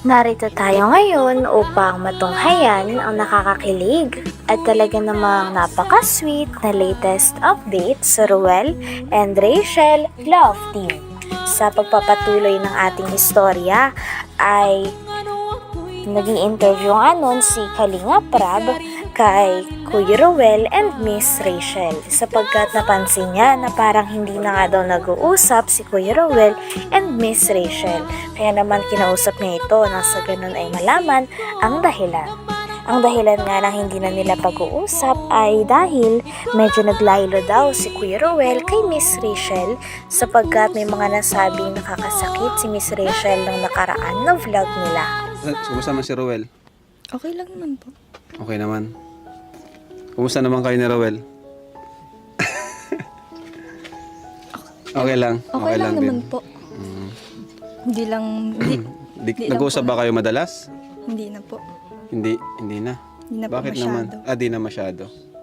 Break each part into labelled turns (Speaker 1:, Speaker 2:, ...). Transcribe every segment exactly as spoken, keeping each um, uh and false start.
Speaker 1: Narito tayo ngayon upang matunghayan ang nakakakilig at talaga namang napaka-sweet na latest update sa Ruel and Rachel Love Team. Sa pagpapatuloy ng ating istorya ay naging interview nga nun si Kalinga Prab kay Kuya Ruel and Miss Rachel sapagkat napansin niya na parang hindi na nga daw nag-uusap si Kuya Ruel and Miss Rachel. Kaya naman kinausap niya ito nang sa ganun ay malaman ang dahilan. Ang dahilan nga ng hindi na nila pag-uusap ay dahil medyo naglaylo daw si Kuya Ruel kay Miss Rachel sapagkat may mga nasabing nakakasakit si Miss Rachel ng nakaraan na vlog nila.
Speaker 2: Kumusta naman si Ruel?
Speaker 3: Okay lang naman po.
Speaker 2: Okay naman. Kumusta naman kayo ni Ruel? Okay lang.
Speaker 3: Okay, okay lang, lang naman
Speaker 2: din.
Speaker 3: po.
Speaker 2: Mm.
Speaker 3: Hindi lang, hindi,
Speaker 2: Di,
Speaker 3: Di
Speaker 2: nag-uusap
Speaker 3: lang po.
Speaker 2: ba kayo madalas?
Speaker 3: hindi na po.
Speaker 2: Hindi, hindi na.
Speaker 3: Hindi na
Speaker 2: Bakit
Speaker 3: po masyado.
Speaker 2: naman? Ah, di na masyado.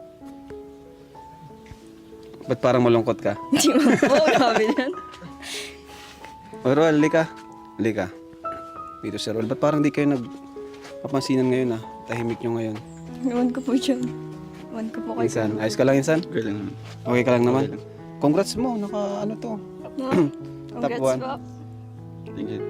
Speaker 2: Ba't parang malungkot ka?
Speaker 3: Hindi man po, grabe yan.
Speaker 2: O Ruel, lika. Lika. Dito si Ruel. Ba't parang di kayo nagpapansinan ngayon ah? Tahimik nyo ngayon.
Speaker 3: Iwan ko po dyan. Iwan ko po kayo.
Speaker 2: Insan, ayos ka lang Insan? Okay lang. Okay ka lang naman? Congrats mo, naka ano to.
Speaker 3: Congrats
Speaker 2: one.
Speaker 3: po.
Speaker 2: Thank you.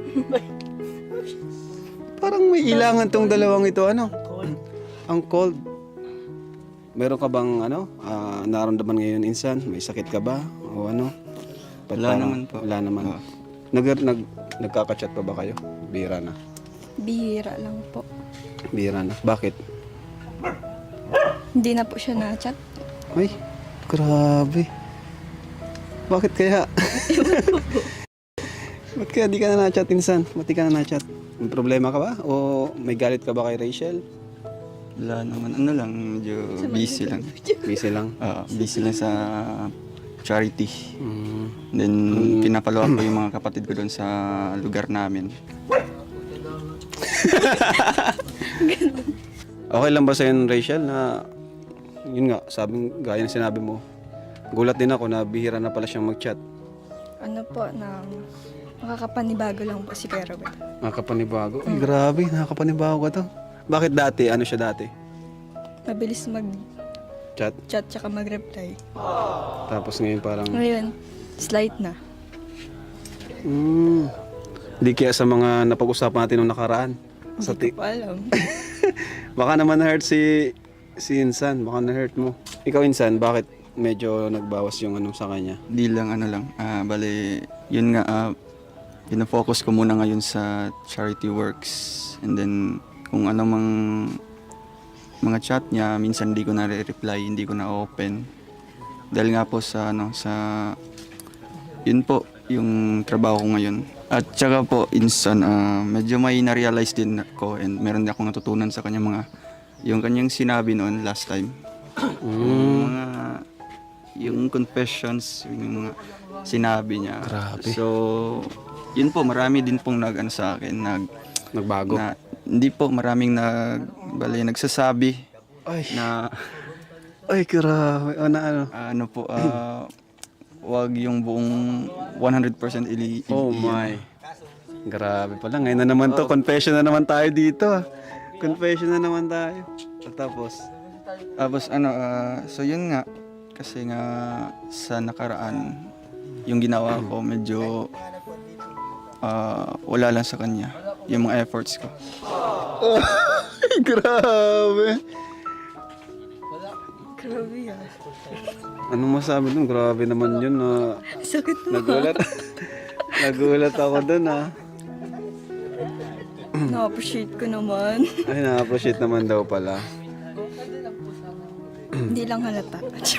Speaker 2: Parang may ilangan tong dalawang ito, ano? Ang cold. Meron ka bang, ano, ah, nararamdaman ngayon, Insan? May sakit ka ba? O ano? Ba't
Speaker 4: Wala
Speaker 2: parang-
Speaker 4: naman po.
Speaker 2: Wala naman.
Speaker 4: Oo.
Speaker 2: Nag, nag, nagkaka-chat pa ba kayo? Bihira na.
Speaker 3: Bihira lang po.
Speaker 2: Bihira na. Bakit?
Speaker 3: Hindi na po siya na-chat.
Speaker 2: Ay, grabe. Bakit kaya? Ba't kaya di ka na na-chat, Insan? Ba't di ka na na-chat? May problema ka ba? O may galit ka ba kay Rachel?
Speaker 4: Wala naman. Ano lang, medyo busy lang.
Speaker 2: Busy lang.
Speaker 4: Ah, busy lang sa charity.
Speaker 2: Mm.
Speaker 4: Then, pinapalawa ko yung mga kapatid ko doon sa lugar namin.
Speaker 2: Okay lang ba sa'yo, Rachel, na yun nga, sabing gaya ng sinabi mo, gulat din ako na bihira na pala siyang mag-chat.
Speaker 3: Ano po, na makakapanibago lang po si Kuya Ruel.
Speaker 2: Nakakapanibago. Ay, grabe, nakakapanibago ka to. Bakit dati? Ano siya dati?
Speaker 3: Mabilis mag-chat
Speaker 2: Chat?
Speaker 3: tsaka mag-reply.
Speaker 2: Tapos ngayon parang,
Speaker 3: Ngayon, slight na.
Speaker 2: hmm, di kaya sa mga napag-usapan natin nung nakaraan. Sa
Speaker 3: Hindi
Speaker 2: ti-
Speaker 3: ko pa alam.
Speaker 2: Baka naman na-hurt si, si Insan, baka na-hurt mo. Ikaw, Insan, bakit medyo nagbawas yung ano sa kanya?
Speaker 4: Di lang, ano lang. Ah, bali, yun nga, ah, pinafocus ko muna ngayon sa charity works. And then, kung ano mang mga chat niya, minsan hindi ko na reply, hindi ko na open. Dahil nga po sa ano, sa yun po yung trabaho ko ngayon. At saka po insan ah, medyo may na-realize din ako and meron din akong natutunan sa kanya mga yung kanyang sinabi noon last time. Yung mga yung confessions, yung mga sinabi niya.
Speaker 2: Grabe.
Speaker 4: So, yun po marami din pong nag ano sa akin, nag
Speaker 2: Nagbago?
Speaker 4: na hindi po maraming nag bali nagsasabi
Speaker 2: Ay,
Speaker 4: na
Speaker 2: ay, grabe. O na ano?
Speaker 4: ano po ah wag yung buong one hundred percent ili, ili
Speaker 2: Oh my. Grabe pala. Ngayon na naman to. Confession na naman tayo dito. ah. Confession na naman tayo. At tapos,
Speaker 4: Tapos ano ah, so yun nga kasi nga sa nakaraan yung ginawa ko medyo ah, wala lang sa kanya yung mga efforts ko.
Speaker 2: grabe.
Speaker 3: Grabe yan.
Speaker 2: Anong masabi dun? Grabe naman yun. na
Speaker 3: Sakit na.
Speaker 2: nagulat. nagulat ako dun ah.
Speaker 3: Na-appreciate ko naman.
Speaker 2: Ay, na-appreciate naman daw pala.
Speaker 3: Hindi lang halata.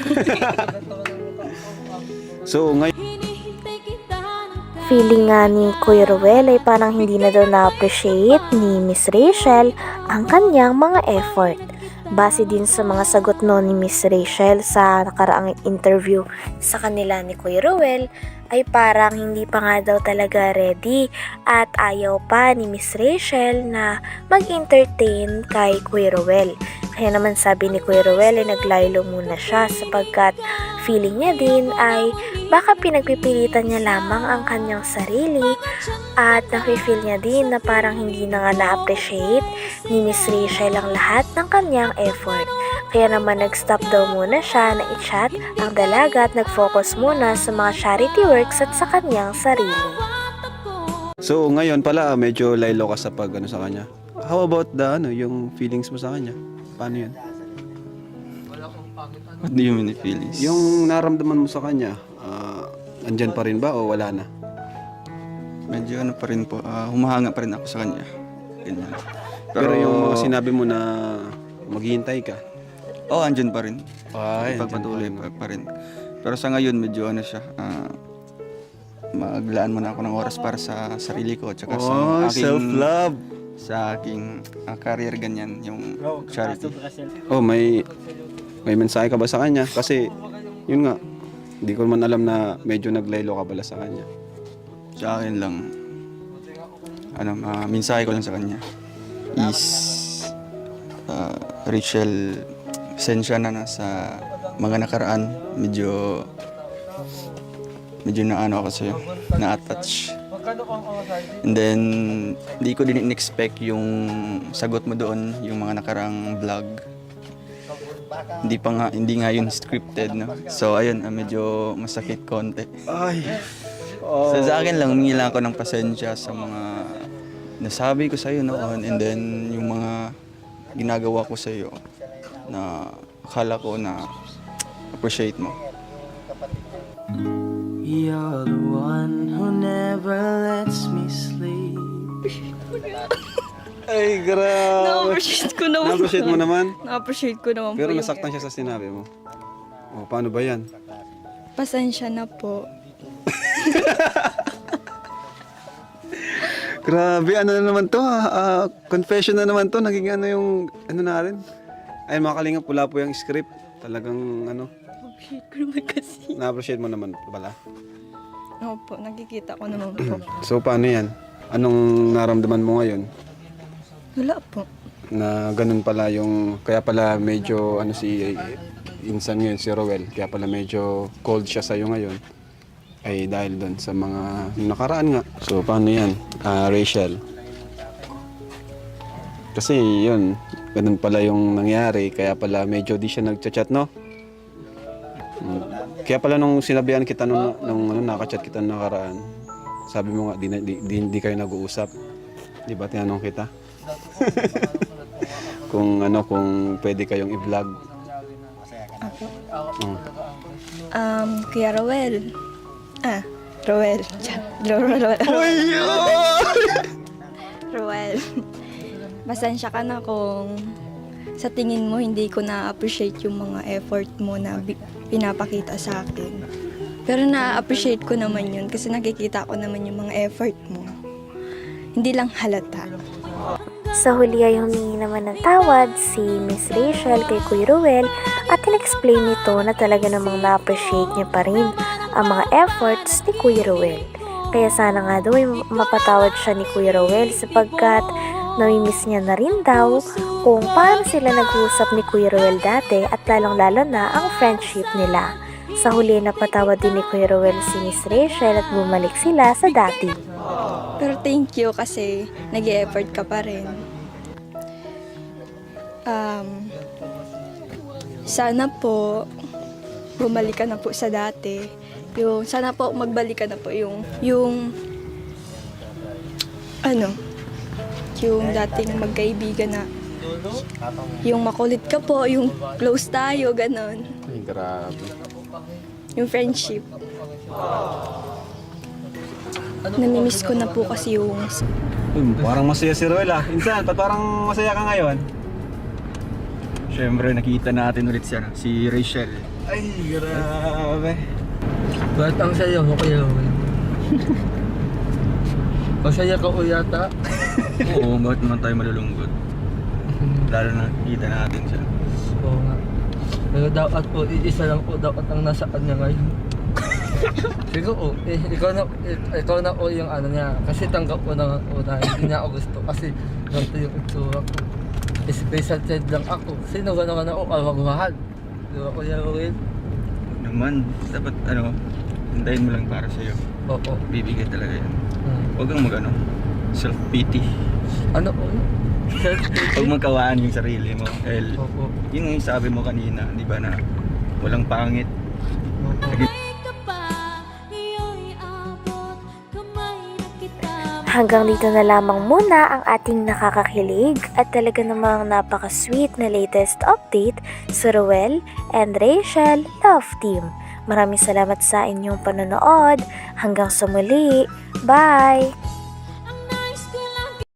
Speaker 2: So, ngayon,
Speaker 1: Feeling nga ni Kuya Ruel ay parang hindi na daw na-appreciate ni Miss Rachel ang kanyang mga effort. Base din sa mga sagot no ni Miss Rachel sa nakaraang interview sa kanila ni Kuya Ruel ay parang hindi pa nga daw talaga ready at ayaw pa ni Miss Rachel na mag-entertain kay Kuya Ruel. Kaya naman sabi ni Kuya Ruel ay naglaylo muna siya sapagkat Feeling niya din ay baka pinagpipilitan niya lamang ang kanyang sarili at nafe-feel niya din na parang hindi na nga na-appreciate ni Miss Rachel ang lahat ng kanyang effort. Kaya naman nag-stop daw muna siya na i-chat ang dalaga at nag-focus muna sa mga charity works at sa kanyang sarili.
Speaker 2: So ngayon pala medyo laylo ka sa pag ano sa kanya. How about the ano, yung feelings mo sa kanya? Paano yun?
Speaker 4: What do you mean the feelings?
Speaker 2: Yung naramdaman mo sa kanya, ah, andyan pa rin ba o wala na?
Speaker 4: Medyo ano pa rin po, ah, humahanga pa rin ako sa kanya. Ganyan.
Speaker 2: Pero, yung mga sinabi mo na maghihintay ka.
Speaker 4: oh, andyan pa rin.
Speaker 2: Ay,
Speaker 4: Pagpatuloy pa, pa rin. Pero sa ngayon, medyo ano siya, ah, maglaan muna ako ng oras para sa sarili ko at saka sa
Speaker 2: Oh,
Speaker 4: aking,
Speaker 2: self-love.
Speaker 4: sa aking ah, career ganyan, yung charity.
Speaker 2: Oh, may may mensahe ka ba sa kanya? Kasi yun nga, hindi ko man alam na medyo naglaylo ka pala sa kanya.
Speaker 4: Sa akin lang, ano, uh, mensahe ko lang sa kanya is, uh, Rachel, sensya na na sa mga nakaraan, medyo, medyo na ano ako sa'yo, na-attach. And then, hindi ko din in-expect yung sagot mo doon, yung mga nakaraang vlog. Hindi pa nga, hindi nga yun scripted, no? So, ayun, ah, medyo masakit konti.
Speaker 2: Ay.
Speaker 4: So, sa akin lang, humingi lang ako ng pasensya sa mga nasabi ko sa'yo noon and then yung mga ginagawa ko sa'yo na akala ko na appreciate mo.
Speaker 5: You're the one who never lets me sleep.
Speaker 2: Ay, grabe.
Speaker 3: Na-appreciate ko naman.
Speaker 2: Na-appreciate mo naman?
Speaker 3: Na-appreciate ko naman
Speaker 2: Pero
Speaker 3: po yung
Speaker 2: nasaktan siya sa sinabi mo. Oh, paano ba yan?
Speaker 3: pasensya na po.
Speaker 2: Grabe, ano na naman to ha? Ah, confession na naman to. Naging ano yung, ano na rin. Ay, mga kalingap, pula po yung script. Talagang, ano,
Speaker 3: Appreciate ko naman kasi.
Speaker 2: na-appreciate mo naman pala.
Speaker 3: Opo, nakikita ko naman po.
Speaker 2: So, paano yan? Anong naramdaman mo ngayon?
Speaker 3: Wala po.
Speaker 2: Na ganun pala yung, kaya pala medyo, ano si, insan ngayon, si Rowel, kaya pala medyo cold siya sa'yo ngayon. Ay dahil doon sa mga nakaraan nga. So, paano yan? Ah, Rachel. Kasi yun, ganun pala yung nangyari. Kaya pala medyo di siya nagchat-chat, no? Hmm. Kaya pala nung sinabihan kita nung, nung ano, nakachat kita nung nakaraan, sabi mo nga, di, di, di, di kayo nag-uusap. Di ba, tinanong kita? Kung ano, kung pwede kayong i-vlog.
Speaker 3: Ako.
Speaker 2: Hmm.
Speaker 3: Um, Kuya Rowel. Ah, Rowel. Chat. Rowel. Rowel. Pasensya ka na kung sa tingin mo hindi ko na-appreciate yung mga effort mo na bi- pinapakita sa akin. Pero na-appreciate ko naman yun kasi nakikita ko naman yung mga effort mo. Hindi lang halata.
Speaker 1: Sa huli ay humingi naman ng tawad si Miss Rachel kay Kuya Rowel at in-explain nito na talaga namang na-appreciate niya pa rin ang mga efforts ni Kuya Rowel. Kaya sana nga daw ay mapatawad siya ni Kuya Rowel sapagkat namimiss niya na rin daw kung paano sila nag-uusap ni Kuya Rowel dati at lalong-lalo na ang friendship nila. Sa huli napatawad din ni Kuya Rowel si Miss Rachel at bumalik sila sa dati.
Speaker 3: Pero thank you kasi nag-e-effort ka pa rin. Um, sana po bumalik ka na po sa dati. Yung, sana po magbalik ka na po yung, yung, ano, yung dating magkaibigan na, yung makulit ka po, yung close tayo, ganon.
Speaker 2: Ay, grabe.
Speaker 3: Yung friendship. Namimiss ko na po kasi yung
Speaker 2: Um, parang masaya si Rowel ah. Insan, ba't parang masaya ka ngayon?
Speaker 4: Siyempre, nakita natin ulit siya, si Rachel.
Speaker 2: Ay, grabe.
Speaker 5: Ba't ang saya mo kaya? Masaya ka o yata?
Speaker 4: Oo, bakit naman tayo malulungkot? Lalo na nakita natin siya.
Speaker 5: Oo nga. Pero dapat po, isa lang po dapat ang nasa kanya ngayon. Siguro, eh, ikaw na, eh, ikaw na po yung ano niya. Kasi tanggap ko na po na hindi niya ako gusto. Kasi ganito yung itsura ko. Special child lang ako. Sino ba naman ako kawagmahal? Di ba, Kuya Rowel?
Speaker 4: Huwag naman. Dapat ano, hintayin mo lang para sa'yo.
Speaker 5: Oo.
Speaker 4: Bibigay talaga yan.
Speaker 5: Mm.
Speaker 4: Huwag kang mag ano, self-pity.
Speaker 5: Ano po?
Speaker 4: Huwag magkawaan yung sarili mo. El,
Speaker 5: Opo.
Speaker 4: yun yung sabi mo kanina, di ba, na walang pangit.
Speaker 5: Opo.
Speaker 1: Hanggang dito na lamang muna ang ating nakakakilig at talaga namang napaka-sweet na latest update sa Ruel and Rachel Love Team. Maraming salamat sa inyong panonood. Hanggang sa muli. Bye!